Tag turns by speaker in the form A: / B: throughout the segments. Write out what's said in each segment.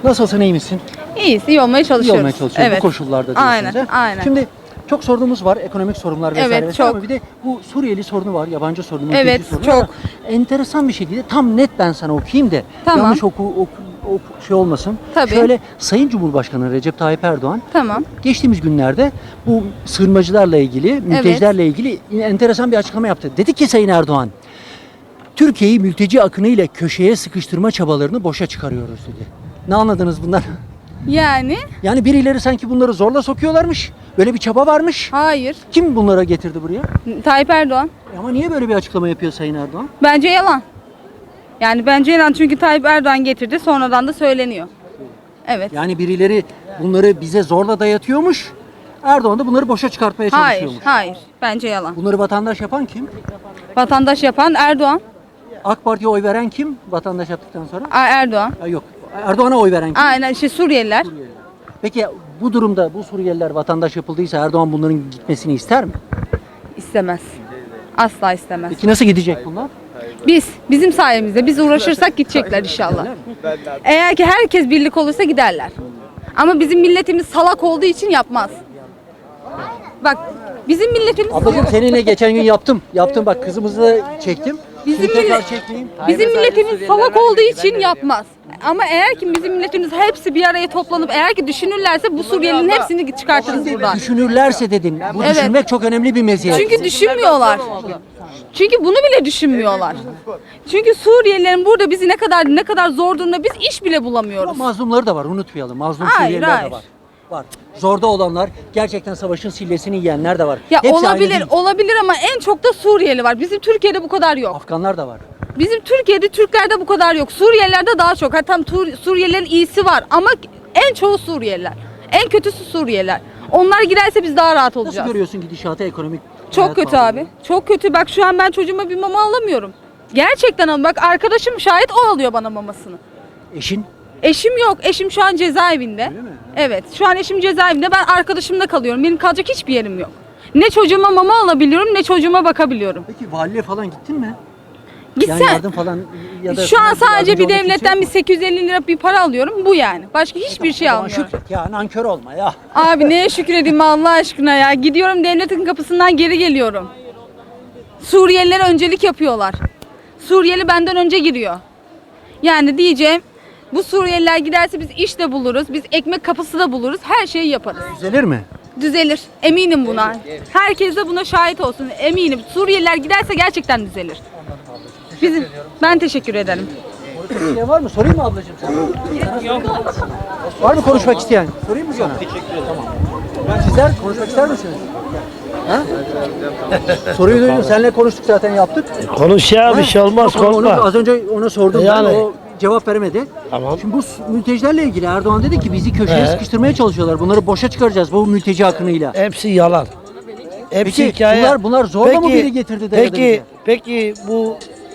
A: Nasılsın, iyi misin?
B: İyiyiz, iyi olmaya
A: İyi
B: çalışıyoruz.
A: olmaya çalışıyoruz
B: Evet.
A: bu koşullarda diyorsunuz.
B: Aynen,
A: he?
B: aynen.
A: Şimdi çok sorunumuz var, ekonomik sorunlar vesaire.
B: Evet,
A: vesaire
B: çok.
A: ama bir de bu Suriyeli sorunu var, yabancı sorunu, mülteci
B: Evet,
A: sorunu
B: çok.
A: var. Enteresan bir şekilde tam net ben sana okuyayım da
B: Tamam.
A: yanlış şey olmasın.
B: Tabii.
A: Şöyle Sayın Cumhurbaşkanı Recep Tayyip Erdoğan
B: Tamam.
A: geçtiğimiz günlerde bu sığınmacılarla ilgili, mültecilerle ilgili enteresan bir açıklama yaptı. Dedi ki Sayın Erdoğan, Türkiye'yi mülteci akınıyla köşeye sıkıştırma çabalarını boşa çıkarıyoruz dedi. Ne anladınız bundan?
B: Yani
A: Yani birileri sanki bunları zorla sokuyorlarmış. Böyle bir çaba varmış.
B: hayır.
A: Kim bunlara getirdi buraya?
B: Tayyip Erdoğan.
A: Ama niye böyle bir açıklama yapıyor Sayın Erdoğan?
B: Bence yalan. Yani bence yalan çünkü Tayyip Erdoğan getirdi sonradan da söyleniyor. Evet.
A: Yani birileri bunları bize zorla dayatıyormuş. Erdoğan da bunları boşa çıkartmaya
B: Hayır,
A: çalışıyormuş.
B: hayır. Bence yalan.
A: Bunları vatandaş yapan kim?
B: Vatandaş yapan Erdoğan.
A: AK Parti'ye oy veren kim vatandaş yaptıktan sonra?
B: Erdoğan.
A: Ha, yok. Erdoğan'a oy veren kim?
B: Aynen Suriyeliler.
A: Peki bu durumda bu Suriyeliler vatandaş yapıldıysa Erdoğan bunların gitmesini ister mi?
B: İstemez. Asla istemez.
A: Peki nasıl gidecek bunlar?
B: Bizim sayemizde biz uğraşırsak gidecekler inşallah. Eğer ki herkes birlik olursa giderler. Ama bizim milletimiz salak olduğu için yapmaz. Bak bizim milletimiz
A: Ablacığım seninle geçen gün yaptım. Yaptım bak kızımızı da çektim.
B: Bizim
A: Şimdi tekrar
B: millet-
A: çekmeyeyim.
B: Bizim milletimiz salak olduğu için yapmaz. Ama eğer ki bizim milletimiz hepsi bir araya toplanıp eğer ki düşünürlerse bu Suriyelilerin hepsini çıkartırız buradan.
A: Düşünürlerse dedin. Bu
B: Evet.
A: düşünmek çok önemli bir meziyet.
B: Çünkü düşünmüyorlar. Çünkü bunu bile düşünmüyorlar. Çünkü Suriyelilerin burada bizi ne kadar zor durumda biz iş bile
A: Ama
B: bulamıyoruz.
A: mazlumları da var unutmayalım. Mazlum
B: Hayır,
A: Suriyeliler
B: hayır.
A: de var. Var. Zorda olanlar, gerçekten savaşın sillesini yiyenler de var.
B: Ya
A: Hepsi aynı
B: olabilir,
A: değil.
B: olabilir ama en çok da Suriyeli var. Bizim Türkiye'de bu kadar yok.
A: Afganlar da var.
B: Bizim Türkiye'de Türklerde bu kadar yok. Suriyelilerde daha çok. Hatta Suriyelilerin iyisi var ama en çoğu Suriyeliler. En kötüsü Suriyeliler. Onlar giderse biz daha rahat
A: Nasıl
B: olacağız.
A: görüyorsun gidişatı ekonomik?
B: Çok
A: hayat
B: kötü
A: pahalılığı?
B: abi. Çok kötü. Bak şu an ben çocuğuma bir mama alamıyorum. Gerçekten ama bak arkadaşım şahit o alıyor bana mamasını.
A: Eşin?
B: Eşim yok. Eşim şu an cezaevinde.
A: Öyle mi?
B: Evet. Şu an eşim cezaevinde. Ben arkadaşımla kalıyorum. Benim kalacak hiçbir yerim yok. Ne çocuğuma mama alabiliyorum ne çocuğuma bakabiliyorum.
A: Peki valiye falan gittin mi?
B: Gitsen.
A: Yani yardım falan ya da
B: Şu an sadece
A: yardımcı
B: bir
A: olmak için
B: devletten
A: yok
B: bir
A: mu?
B: 850 lira bir para alıyorum. Bu yani. Başka hiçbir şey
A: O zaman
B: almıyorum.
A: şükret ya, nankör olma ya.
B: Abi neye şükredeyim Allah aşkına ya. Gidiyorum devletin kapısından geri geliyorum. Suriyelilere öncelik yapıyorlar. Suriyeli benden önce giriyor. Yani diyeceğim bu Suriyeliler giderse biz iş de buluruz. Biz ekmek kapısı da buluruz. Her şeyi yaparız.
A: Düzelir mi?
B: Düzelir. Eminim buna. Herkes de buna şahit olsun. Eminim. Suriyeliler giderse gerçekten düzelir. Ben teşekkür ederim.
A: Ne var mı? Sorayım mı ablacığım sana? Var mı konuşmak isteyen? Sorayım mı sana? Teşekkür ederim. Tamam. Sizler konuşmak ister misiniz? Ha? Soruyu duydum. Seninle konuştuk zaten yaptık.
C: Konuş ya bir şey olmaz
A: Yok, onu
C: korkma.
A: az önce ona sordum
C: Yani.
A: ben. O cevap veremedi.
C: Tamam.
A: Şimdi bu mültecilerle ilgili Erdoğan dedi ki bizi köşeye sıkıştırmaya çalışıyorlar. Bunları boşa çıkaracağız bu mülteci akınıyla.
C: Hepsi yalan. Hepsi
A: Peki
C: hikaye.
A: bunlar zorla mı biri getirdi dayadı
C: Peki bu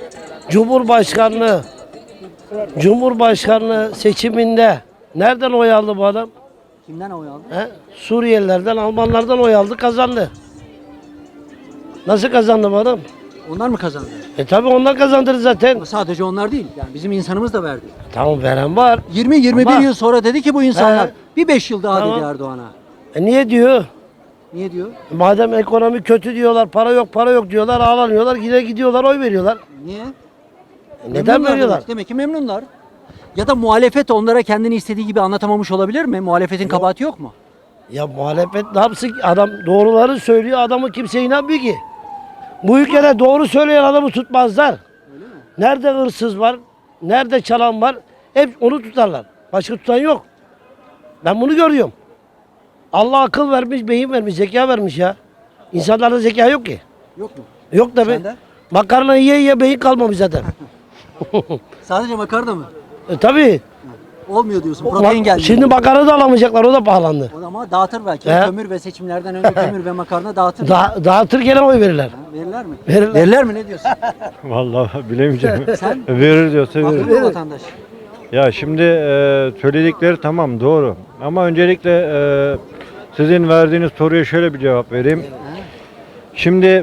C: Cumhurbaşkanlığı seçiminde nereden oy aldı bu adam?
A: Kimden oy aldı?
C: He? Suriyelilerden, Almanlardan oy aldı, kazandı. Nasıl kazandı bu adam?
A: Onlar mı kazandı?
C: Tabi onlar kazandırdı zaten.
A: Ama sadece onlar değil. Yani bizim insanımız da verdi.
C: Tamam veren var.
A: 20-21
C: Ama-
A: yıl sonra dedi ki bu insanlar
C: He.
A: bir 5 yıl daha
C: Tamam.
A: dedi Erdoğan'a.
C: Niye diyor?
A: Niye diyor?
C: Madem ekonomi kötü diyorlar, para yok diyorlar, ağlanıyorlar, gidiyorlar oy veriyorlar.
A: Niye?
C: Neden
A: Memnunlar
C: veriyorlar?
A: Demek ki memnunlar. Ya da muhalefet onlara kendini istediği gibi anlatamamış olabilir mi? Muhalefetin kabahati yok mu?
C: Ya muhalefet ne yapsın? Adam doğruları söylüyor, adamı kimse inanmıyor ki. Bu ülkede doğru söyleyen adamı tutmazlar. Nerede hırsız var, nerede çalan var, hep onu tutarlar. Başka tutan yok. Ben bunu görüyorum. Allah akıl vermiş, beyin vermiş, zeka vermiş ya. İnsanlarda zeka yok ki.
A: Yok mu?
C: Yok tabi.
A: Sende?
C: Makarna yiye beyin kalmamış zaten.
A: Sadece makarna mı?
C: Tabii.
A: Olmuyor diyorsun. Protein geldi.
C: Şimdi makarna da alamayacaklar, o da pahalandı.
A: O zaman dağıtır belki.
C: He.
A: Kömür ve seçimlerden önce kömür ve makarna dağıtır.
C: Dağıtır gene oy verirler.
A: Verirler mi?
C: Verirler.
A: Verirler mi? Ne diyorsun?
D: Vallahi bilemeyeceğim.
A: Sen?
D: Verir diyorsa
A: Haklı
D: verir.
A: mı vatandaş?
D: Ya şimdi söyledikleri tamam doğru. Ama öncelikle sizin verdiğiniz soruya şöyle bir cevap vereyim. Şimdi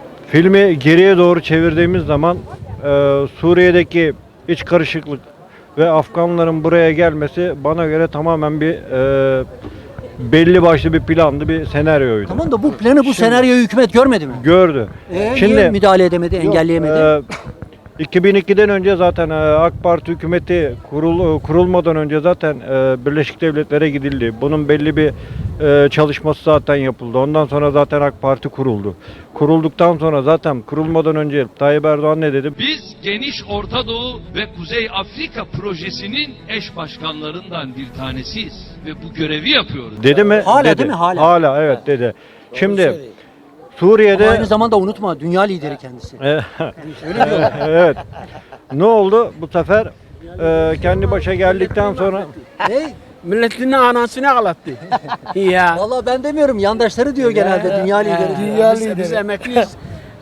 D: filmi geriye doğru çevirdiğimiz zaman Suriye'deki iç karışıklık ve Afganların buraya gelmesi bana göre tamamen bir belli başlı bir plandı, bir senaryoydu.
A: Tamam da bu planı, bu senaryoyu hükümet görmedi mi?
D: Gördü.
A: Niye müdahale edemedi, engelleyemedi?
D: 2002'den önce zaten AK Parti hükümeti kurulmadan önce zaten Birleşik Devletler'e gidildi. Bunun belli bir çalışması zaten yapıldı. Ondan sonra zaten AK Parti kuruldu. Kurulduktan sonra zaten kurulmadan önce Tayyip Erdoğan ne dedi?
E: Biz geniş Orta Doğu ve Kuzey Afrika projesinin eş başkanlarından bir tanesiyiz ve bu görevi yapıyoruz.
D: Dedi mi?
A: Hala
D: Dedi.
A: değil mi? Hala.
D: Hala evet dedi. Şimdi Suriye'de
A: Ama aynı zamanda unutma, dünya lideri kendisi.
D: Evet.
A: Öyle diyorlar.
D: Evet. Ne oldu bu sefer? Kendi başa geldikten sonra
A: Ne?
F: Milletinin anasını ağlattı. Ya.
A: Vallahi ben demiyorum, yandaşları diyor genelde dünya lideri.
F: Dünya biz emekliyiz.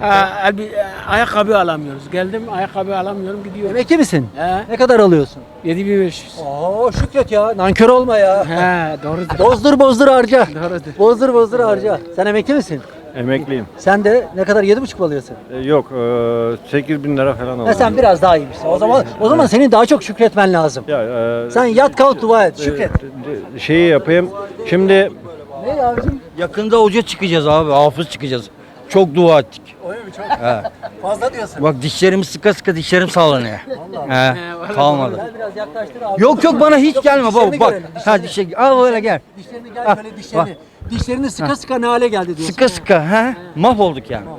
F: Ayakkabı alamıyoruz. Geldim ayakkabı alamıyorum gidiyorum.
A: Emekli misin?
F: He.
A: Ne kadar alıyorsun?
F: 7500.
A: Oo şükret ya, nankör olma ya.
F: He doğrudur.
A: Bozdur harca.
F: Doğrudur.
A: Bozdur harca. Sen emekli misin?
D: emekliyim.
A: Sen de ne kadar, 7,5 mu alıyorsun?
D: Yok 8.000 lira falan
A: Ha,
D: aldım.
A: sen biraz daha iyiymişsin. O zaman senin daha çok şükretmen lazım.
D: Ya,
A: Sen yat kalk dua et, şükret.
D: Şeyi yapayım. Şimdi
A: Ne abicim?
G: Yakında hoca çıkacağız abi, hafız çıkacağız. Çok dua ettik.
A: Öyle mi, çok? Fazla diyorsun.
G: Bak dişlerim sıka sıka dişlerim sallanıyor. He, kalmadı.
A: Gel biraz yaklaştır abi.
G: Yok bana hiç gelme baba
A: Dişlerini
G: bak.
A: görelim,
G: Ha dişe al böyle gel.
A: Dişlerini gel böyle dişlerini. Dişlerini sıka sıka ne hale geldi diyorsun.
G: Sıka sıka he. Mahvolduk yani.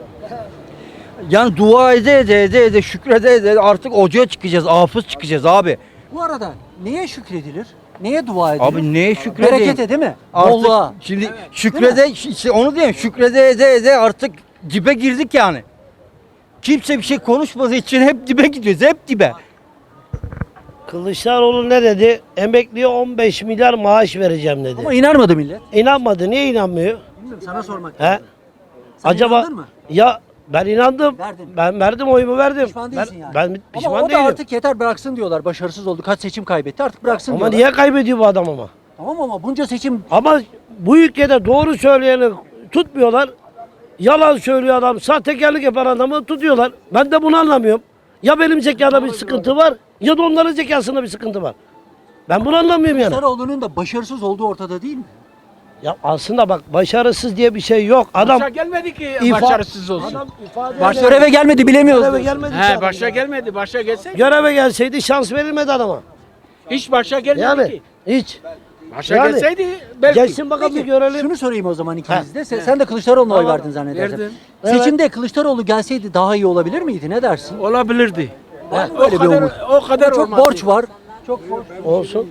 G: Yani dua ede şükrede artık hocaya çıkacağız, hafız çıkacağız abi.
A: Bu arada neye şükredilir? Neye dua edilir?
G: Abi neye şükredeyim?
A: Berekete değil mi?
G: Artık
A: Bolluğa.
G: şimdi şükrede işte onu diyeyim şükrede ede artık dibe girdik yani. Kimse bir şey konuşmadığı için hep dibe gidiyoruz, hep dibe.
C: Kılıçdaroğlu ne dedi? Emekliye 15 milyar maaş vereceğim dedi.
A: Ama inanmadı millet.
C: İnanmadı. Niye inanmıyor?
A: Bilmiyorum, sana sormak
C: He?
A: lazım. Sen
C: Acaba
A: inandın mı?
C: ya ben inandım.
A: Verdin.
C: Ben verdim, oyumu verdim.
A: Pişman değilsin yani.
C: Ben pişman
A: ama o da
C: değilim.
A: artık yeter bıraksın diyorlar. Başarısız oldu. Kaç seçim kaybetti. Artık bıraksın
C: Ama
A: diyorlar.
C: niye kaybediyor bu adam ama?
A: Tamam ama bunca seçim
C: Ama bu ülkede doğru söyleyeni tutmuyorlar. Yalan söylüyor adam, sahtekarlık yapan adamı tutuyorlar. Ben de bunu anlamıyorum. Ya benim zekada bir sıkıntı var ya da onların zekasında bir sıkıntı var. Ben bunu anlamıyorum yani.
A: Kılıçdaroğlu'nun da başarısız olduğu ortada değil mi?
C: Ya aslında bak başarısız diye bir şey yok. Adam
F: Başa gelmedi ki
C: İfa-
F: başarısız olsun.
C: Adam ifade
A: Baş
C: eder.
A: göreve gelmedi, bilemiyoruz.
C: Göreve
A: diyorsun.
C: gelmedi.
F: He
C: ki
F: başa
C: adam.
F: gelmedi. Başa gelse
C: Göreve gelseydi şans verilmedi adama.
F: hiç başa gelmedi
C: Yani
F: ki.
C: hiç.
F: Başa
C: yani-
F: gelseydi belki.
C: Gelsin bakalım bir
A: Peki,
C: görelim.
A: şunu sorayım o zaman ikiniz de. Sen de Kılıçdaroğlu'na oy verdin zannedersem.
F: Verdim.
A: Seçimde Kılıçdaroğlu gelseydi daha iyi olabilir miydi? Ne dersin?
F: Olabilirdi.
A: Var mı böyle bir umut?
F: O kadar
A: Çok
F: olmazdı.
A: borç var. Çok borç.
C: Olsun.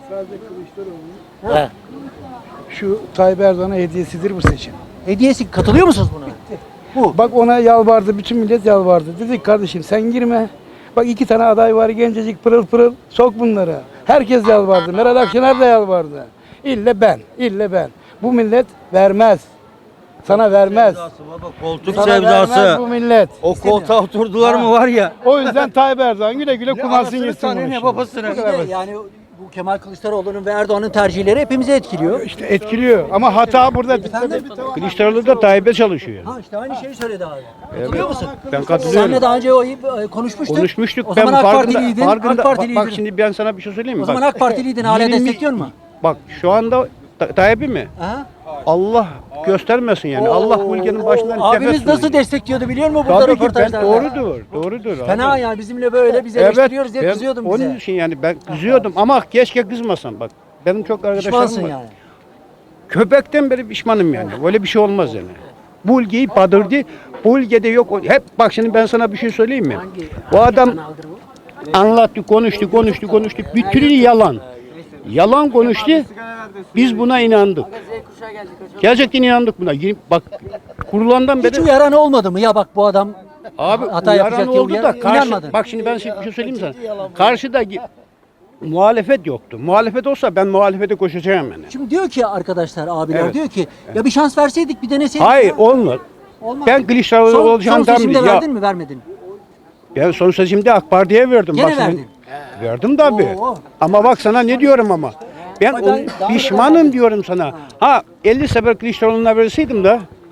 H: Şu Tayyip Erdoğan'a hediyesidir bu seçim.
A: Hediyesi, katılıyor musunuz buna? Bu.
H: Bak ona yalvardı, bütün millet yalvardı. Dedik kardeşim sen girme. Bak 2 tane aday var gencecik pırıl pırıl, sok bunları. Herkes yalvardı, Meral Akşener de yalvardı. İlle ben. Bu millet vermez. Sana vermez.
G: Baba, koltuk
H: Sana vermez
G: sevdası.
H: bu millet.
G: O koltuğa oturdular mı var ya.
H: O yüzden Tayyip Erdoğan güle güle kumarsın
G: Anasını
H: yesin
G: tanıyor,
H: bunu
G: ne
H: şimdi.
G: babasını.
H: Bu kadar basit.
A: Yani bu Kemal Kılıçdaroğlu'nun ve Erdoğan'ın tercihleri hepimizi etkiliyor.
H: İşte etkiliyor ama hata burada.
I: Kılıçdaroğlu da Tayyip'e çalışıyor.
A: Ha işte aynı şeyi söyledi abi. Katılıyor musun?
I: Ben katılıyorum.
A: Senle daha önce konuşmuştuk.
I: Konuşmuştuk.
A: O zaman
I: ben
A: AK
I: farkında,
A: Partiliydin.
I: farkında,
A: AK Partiliydin.
I: bak şimdi ben sana bir şey söyleyeyim mi?
A: O zaman
I: Bak,
A: AK Partiliydin, hala
I: 20
A: destekliyor mu?
I: Bak şu anda Tayyip'i mi?
A: Ha?
I: Allah göstermesin yani. Allah bu ülkenin başından
A: Abimiz nasıl destekliyordu biliyor musun burada
I: Tabii ki ben
A: röportajlarda?
I: doğrudur.
A: Fena
I: abi.
A: yani bizimle böyle bizi
I: Evet,
A: eleştiriyoruz diye
I: ben
A: kızıyordun
I: onun
A: bize.
I: için yani ben kızıyordum ama keşke kızmasam bak. Benim çok arkadaşlarım
A: Pişmansın
I: var.
A: yani.
I: Köpekten beri pişmanım yani. Öyle bir şey olmaz yani. Bu ülkeyi badırdı. Bu ülkede yok. Hep bak şimdi ben sana bir şey söyleyeyim mi? Bu adam anlattı, konuştu. Bütün yalan. Yalan konuştu. Biz buna inandık. Gerçekten inandık buna. Bak kurulandan
A: Hiç
I: beri
A: uyaran olmadı mı? Ya bak bu adam
I: abi
A: hata yapacak
I: uyaran
A: diye
I: oldu da
A: inanmadın.
I: bak şimdi ben size bir şey söyleyeyim sana. Karşıda muhalefet yoktu. Muhalefet olsa ben muhalefete koşacağım yani.
A: Şimdi diyor ki arkadaşlar, abiler
I: Evet.
A: diyor ki ya bir şans verseydik, bir deneseydik.
I: Hayır
A: ya.
I: olmaz.
A: Olmaz.
I: Ben Kılıçdaroğlu
A: son
I: olacağım
A: seçimde
I: ya.
A: verdin mi, vermedin?
I: Ben son seçimde AK Parti'ye verdim.
A: Gene
I: Bak senin-
A: verdin.
I: Verdim tabii.
A: Oo.
I: Ama bak sana ne diyorum ama. Ben
A: Ama daha
I: pişmanım diyorum sana. Ha 50 sefer Kılıçdaroğlu'na verseydim de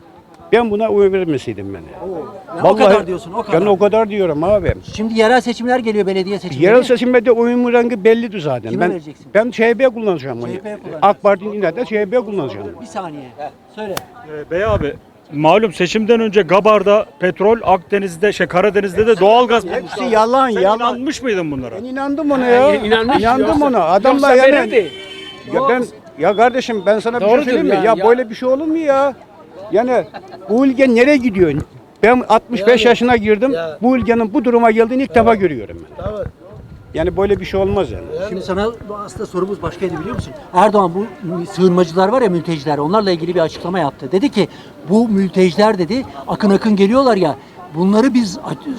I: Ben buna oy vermeseydim ben.
A: O kadar diyorsun, o kadar.
I: Ben o kadar diyorum abi.
A: Şimdi yerel seçimler geliyor, belediye seçimleri.
I: Yerel seçimde oyumun rengi bellidir zaten.
A: Kime
I: Ben
A: vereceksin?
I: ben CHP kullanacağım onu.
A: CHP kullanacağım.
I: AK Parti'nin de CHP kullanacağım.
A: Bir saniye. Söyle.
J: Bey abi, malum seçimden önce Gabar'da petrol, Akdeniz'de, Karadeniz'de de doğalgaz bulmuşlar.
I: Hepsi yalan
J: Sen
I: yalan.
J: inanmış mıydın bunlara?
I: Ben inandım ona ya.
F: inanmış
I: İnandım
F: yoksa-
I: ona. Adamlar
F: yoksa
I: yani.
F: verirdi.
I: Ya kardeşim ben sana bir
F: Doğrudur
I: şey söyleyeyim mi?
F: yani,
I: Ya
F: ya.
I: böyle bir şey olur mu ya? Yani bu ülke nereye gidiyor? Ben 65 yaşına girdim. Bu ülkenin bu duruma geldiğini ilk defa görüyorum ben. Yani böyle bir şey olmaz yani.
A: Şimdi sana aslında sorumuz başkaydı, biliyor musun? Erdoğan bu sığınmacılar var ya, mülteciler, onlarla ilgili bir açıklama yaptı. Dedi ki bu mülteciler dedi akın akın geliyorlar ya, bunları biz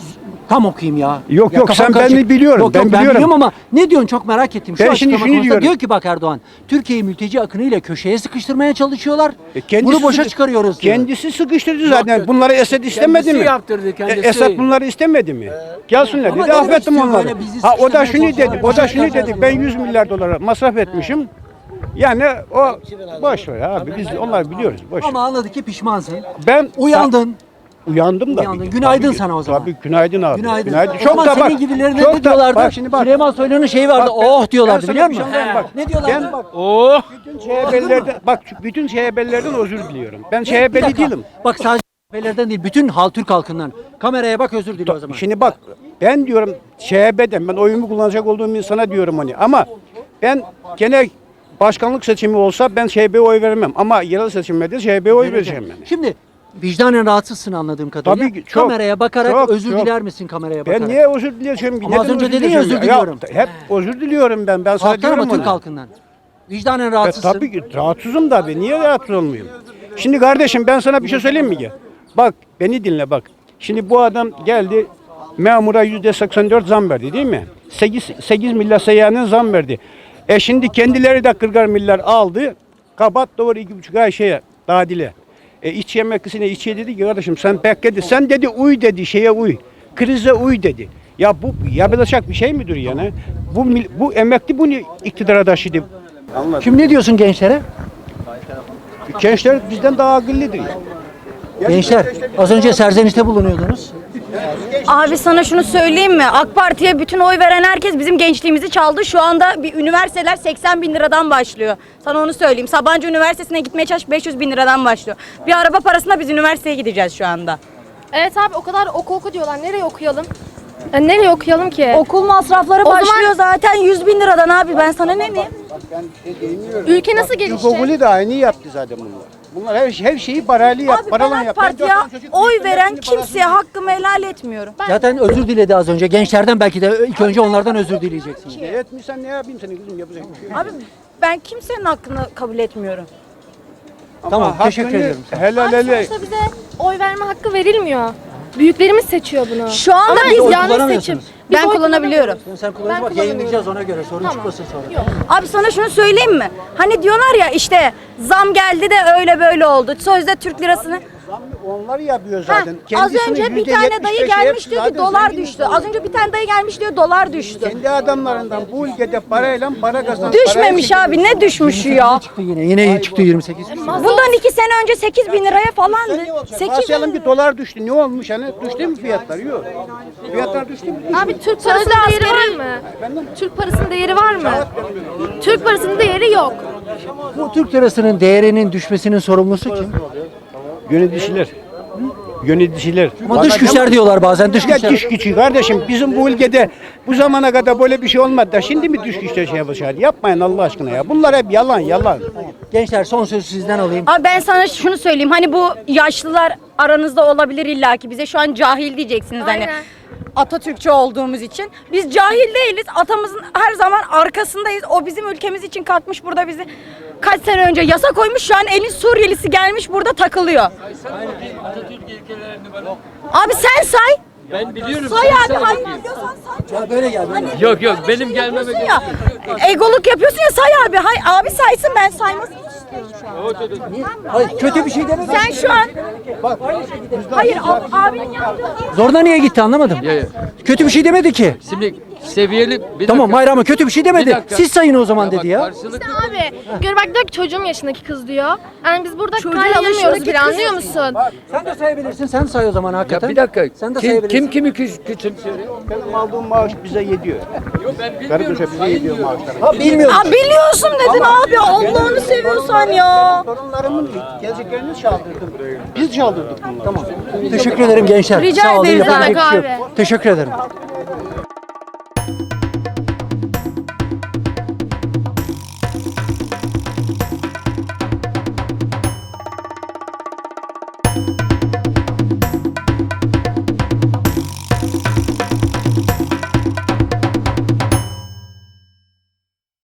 A: tam okuyayım ya.
I: Yok,
A: Ya
I: yok,
A: kafam
I: sen
A: karışık.
I: beni biliyorum,
A: Yok,
I: ben
A: yok, ben
I: biliyorum.
A: biliyorum ama ne diyorsun, çok merak ettim. Şu
I: Ben şimdi
A: açıklama
I: şunu
A: konusunda
I: diyorum.
A: diyor ki bak Erdoğan, Türkiye'yi mülteci akınıyla köşeye sıkıştırmaya çalışıyorlar.
I: Kendisi
A: Bunu boşa
I: sıkı-
A: çıkarıyoruz diyor.
I: Kendisi sıkıştırdı zaten. Bunları Esed istemedi
F: Kendisi
I: mi?
F: yaptırdı, kendisi.
I: Esed bunları istemedi mi? Gelsinler
A: Ama
I: dedi,
A: demek
I: affettim
A: istiyor
I: onları.
A: böyle bizi
I: Ha o da
A: sıkıştırmaya
I: şunu dedi,
A: çalışıyorlar,
I: o da şunu
A: boşa
I: dedi. Ben 100 milyar dolara masraf etmişim. Yani o boş ver abi, biz onlar biliyoruz. Boş ver.
A: Ama anladık ki pişmansın.
I: Ben
A: Uyandın.
I: Uyandım da.
A: Uyandın. Günaydın sana o zaman.
I: Tabii günaydın abi.
A: Günaydın. O
I: Çok
A: zaman
I: da
A: senin
I: bak.
A: gibilerine
I: çok
A: ne
I: da-
A: diyorlardı?
I: Bak şimdi bak.
A: Süleyman Soylu'nun şeyi vardı.
I: Bak,
A: Oh diyorlardı,
I: sana
A: biliyor
I: bir
A: musun?
I: şey söyleyeyim, bak.
A: Ne diyorlardı?
I: Ben bak,
F: Oh.
I: bütün CHP'lilerden bak bütün CHP'lilerden özür diliyorum. Ben
A: Bir
I: CHP'li
A: dakika.
I: değilim.
A: Bak sadece CHP'lerden değil, bütün Türk halkından. Kameraya bak, özür dile o zaman.
I: Şimdi bak ben diyorum CHP'den ben oyumu kullanacak olduğum insana diyorum hani ama ben gene başkanlık seçimi olsa ben CHP'ye oy vermem ama yerel seçimlerde CHP'ye oy vereceğim ben.
A: Şimdi vicdanen rahatsızsın anladığım kadarıyla.
I: Tabii ki, çok,
A: kameraya bakarak
I: çok,
A: özür
I: çok.
A: diler misin kameraya bakarak?
I: Ben niye özür dileyeceğim ki?
A: Ama az
I: Neden
A: önce
I: özür
A: dedin ya,
I: dileyeceğim
A: özür diliyorum.
I: hep özür diliyorum ben. Ben sana
A: Halktan
I: diyorum
A: ama Türk
I: onu.
A: halkından. Vicdanen rahatsızsın.
I: Tabii ki rahatsızım da abi. Niye rahatsız olmayayım? Şimdi kardeşim ben sana bir şey söyleyeyim mi ki? Bak beni dinle bak. Şimdi bu adam geldi memura %84 zam verdi değil mi? 8 milyar seyyanen zam verdi. Şimdi kendileri de 40 milyar aldı. Kapat doğru 2,5 ay şeye tadile. İç yemeklisine içe dedi ki kardeşim sen bekledi. Sen dedi uy dedi şeye uy. Krize uy dedi. Ya bu yapılacak bir şey midir yani? Bu emekli bunu iktidara taşıdı. Anladın.
A: Şimdi ne diyorsun gençlere?
I: Gençler bizden daha akıllıdır.
A: Gençler, az önce serzenişte bulunuyordunuz.
K: Abi sana şunu söyleyeyim mi? AK Parti'ye bütün oy veren herkes bizim gençliğimizi çaldı. Şu anda bir üniversiteler 80 bin liradan başlıyor. Sana onu söyleyeyim. Sabancı Üniversitesi'ne gitmeye çalış 500 bin liradan başlıyor. Bir araba parasına biz üniversiteye gideceğiz şu anda.
L: Evet abi, o kadar oku diyorlar. Nereye okuyalım? Nereye okuyalım ki?
K: Okul masrafları
L: O zaman-
K: başlıyor zaten 100 bin liradan abi. Ben sana ne diyeyim?
L: Ülke nasıl gelişecek?
I: İlkokulu da aynı yaptı zaten bunlar. Bunlar her şeyi parayla yap.
K: Abi ben
I: Paralan
K: AK
I: yap.
K: Parti'ye oy veren kimseye hakkımı helal etmiyorum.
A: Zaten özür diledi az önce. Gençlerden belki de ilk önce onlardan özür dileyeceksin.
I: Etmişsen ne yapayım seni kızım yapacak bir şey yok.
K: Abi ben kimsenin hakkını kabul etmiyorum.
A: Tamam,
I: Ama
A: teşekkür
I: hakkını
A: ediyorum.
I: Helal
L: Abi
I: hele.
L: sonuçta bize oy verme hakkı verilmiyor. Büyüklerimiz seçiyor bunu.
K: Şu anda
L: Ama
K: biz
A: oy
L: yanlış
A: kullanamıyorsunuz.
L: seçim. Biz
K: Ben
L: oy
K: kullanabiliyorum.
A: Sen kullanıcı bak, yayınlayacağız ona göre. Sorun
L: Tamam.
A: çıkmasın sonra.
L: Yok.
K: Abi sana şunu söyleyeyim mi? Hani diyorlar ya işte zam geldi de öyle böyle oldu. Sözde Türk lirasını.
I: Onlar yapıyor
K: Ha,
I: zaten.
K: az
I: Kendisinin
K: önce bir tane dayı
I: %75'i
K: gelmiş
I: hepsi
K: diyor ki
I: zaten
K: dolar
I: zengin
K: düştü.
I: insanlar.
K: Az önce bir tane dayı gelmiş diyor dolar düştü.
I: Kendi adamlarından bu ülkede parayla para kazanan
K: Düşmemiş abi, ne düşmüşü ya?
A: Çıktı yine. Yine çıktı 28.
K: Bundan 2 sene önce 8 bin liraya falandı. 8
I: Varsayalım bir dolar düştü. Ne olmuş hani? Düştü mü fiyatlar? Yok. Fiyatlar düştü mü?
L: Abi Türk parasının değeri var mı? Türk parasının değeri var mı? Türk parasının değeri yok.
A: Bu Türk lirasının değerinin düşmesinin sorumlusu kim?
I: Yöneticiler. Yöneticiler.
A: Ama dış güçler diyorlar bazen, dış
I: Ya
A: güçler.
I: dış gücü kardeşim bizim bu ülkede bu zamana kadar böyle bir şey olmadı da şimdi mi dış güçler şey yapacak? Yapmayın Allah aşkına ya. Bunlar hep yalan yalan.
A: Gençler, son sözü sizden alayım.
K: Abi ben sana şunu söyleyeyim. Hani bu yaşlılar aranızda olabilir illaki. Bize şu an cahil diyeceksiniz hani.
L: Aynen.
K: Atatürkçü olduğumuz için. Biz cahil değiliz. Atamızın her zaman arkasındayız. O bizim ülkemiz için kalkmış burada bizi kaç sene önce yasa koymuş. Şu an elin Suriyelisi gelmiş burada takılıyor. Abi sen say.
F: Ben biliyorum.
K: Say abi. Hayır diyorsan say.
A: Ya böyle gel böyle.
F: Yok yok benim gelmeme
K: Yapıyorsun ya. Egoluk yapıyorsun ya, say abi. Abi saysın, ben saymasını istiyorum şu an.
A: Hayır, kötü bir şey demedim.
K: Sen şu an hayır abinin yaptığı
A: Zoruna niye gitti anlamadım. Kötü bir şey demedi ki.
F: Şimdi seviyeli. Bir
A: Tamam
F: dakika.
A: Mayra ama kötü bir şey demedi.
F: Bir dakika.
A: Siz sayın o zaman dedi
F: bak,
A: ya.
F: karşılıklı-
L: İşte abi gör bak diyor ki çocuğum yaşındaki kız diyor. Yani biz burada
K: Çocuğun
L: kale alamıyoruz
K: yaşındaki
L: bile
K: kız
L: anlıyor musun?
A: Sen de sayabilirsin. Sen say o zaman hakikaten.
F: Ya bir dakika.
A: Sen de
F: Kim
A: sayabilirsin.
F: kimi küçümsüyor?
I: Benim aldığım maaş bize yediyor.
F: Yok ben bilmiyorum.
I: Kardeşim bize
F: Sayın
I: yediyor
F: diyor.
I: maaşlar.
A: Ha bilmiyorum.
K: Aa, biliyorsun dedin abi Allah'ını seviyorsan ya.
I: Torunlarımın geleceklerini çaldırdım. Biz çaldırdık bunları.
A: Tamam. Teşekkür ederim gençler.
K: Rica
A: Sağ olun.
K: ederiz
A: Yapacak
L: abi.
A: bir şey yok. Teşekkür ederim.